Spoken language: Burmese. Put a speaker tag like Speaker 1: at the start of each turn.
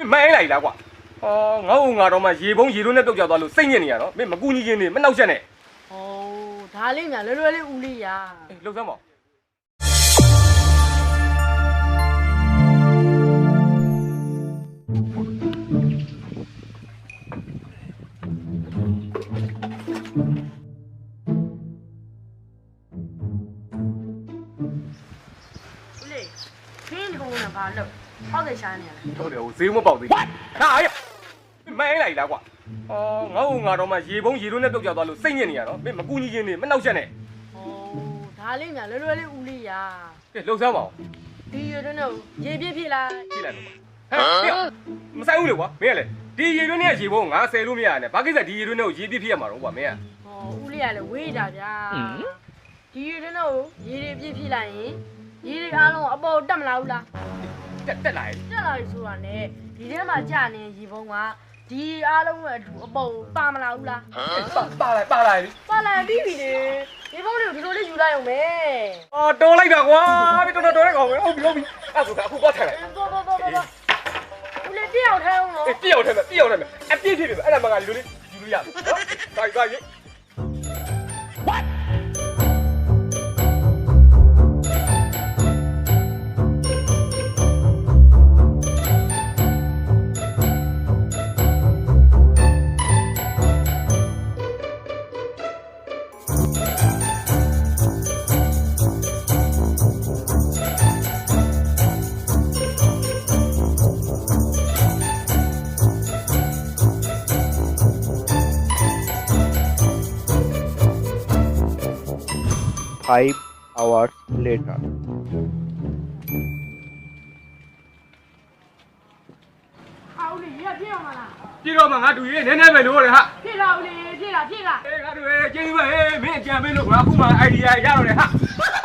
Speaker 1: မင်းလိုက်လားကွာဟောငါ့ဦးငါတော့မှရေပုံးရေတွင်းနဲ့ပြုတ်ကြသွားလို့စိတ်ညစ်နေရတော့မင်းမကူညီချင်းနေမနှောက်ချက်နဲ့
Speaker 2: ဟောဒါလေးများလွယ်လွယ်လေးဦးလေးရာ
Speaker 1: လှုပ်စမ်းပါ
Speaker 2: ဦးလေးခင်းဒီကောင်ကဘာလို့ဟောက်တယ်ရှာနေရလဲ
Speaker 1: ဟုတ်တယ်ဟိုဈေးမပေါက်သေးဘူးဟာအေးမင်းလိုက်လားကွာဟောငါ့ဦးငါတော့မှရေပုံးရေတွင်းနဲ့ပြုတ်ကြသွားလို့စိတ်ညစ်နေရတော့မင်းမကူညီချင်းနေမနှောက်ချက်နဲ့
Speaker 2: ဟောဒါလေးများလွယ်လွယ်လေးဦးလေးရာ
Speaker 1: ကဲလှုပ်စမ်းပါဦး
Speaker 2: ဒီရွတွင်းတော့ရေပြည့်ပြည့်လား
Speaker 1: ကြည့်လိုက်တော့ဟမ်မဆိုင်ဘူးလေကွာမင်းကလေဒီရေတွင်းနဲ့ရေပုံးငါဆယ်လို့မရနဲ့ဘာကိစ္စဒီရေတွင်းနဲ့ကိုရေပြည့်ပြည့်ရမှာတော့ကွာမင်းက
Speaker 2: ဟောဦးလေးကလည်းဝေးတာဗျာဒီရွတွင်းတော့ရေတွေပြည့်ပြည့်လိုက်ရင်ရေတွေအားလုံးအပေါ်တက်မလာဘူးလား
Speaker 1: တက်လာရဲ့
Speaker 2: တက်လာပြီဆိုတာ ਨੇ ဒီထဲမှာကြာနေရေပုံးကဒီအားလုံးရဲ့အတူအပေါ်ပါမလာဘူးလား
Speaker 1: ပါလိုက်ပါလိုက်
Speaker 2: ပါလာပြီးပြီလေရေပုံးတွေကိုဒီလိုလေးယူလိုက်အောင်ပဲ
Speaker 1: အော်တော်လိုက်တာကွာတော်လိုက်ကောင်ပဲဟုတ်ပြီအဲ့ဆိုအခုသွားထိုင်လိုက်
Speaker 2: တော့ဦးလေးတယောက်ထဲအောင်နော်
Speaker 1: တယောက်ထဲမှာအပြည့်ဖြစ်ပြီအဲ့ဒါမှငါဒီလိုလေးယူလို့ရမယ်နော်ဒါကြီး
Speaker 3: 5 hours later.
Speaker 2: ဟာဦးလေးရေပြည့်အောင်မလား
Speaker 1: ပြည့်တော့မှငါတူရေးနည်းနည်းပဲလို့ရတယ်ဟာ
Speaker 2: ပြည့်လားဦးလေးပြည့်လား
Speaker 1: အေးငါတူရေးကျေးဇူးပဲဟေးမင်းအကြံပေးလို့ကွာအခုမှ idea ရတော့တယ်ဟာ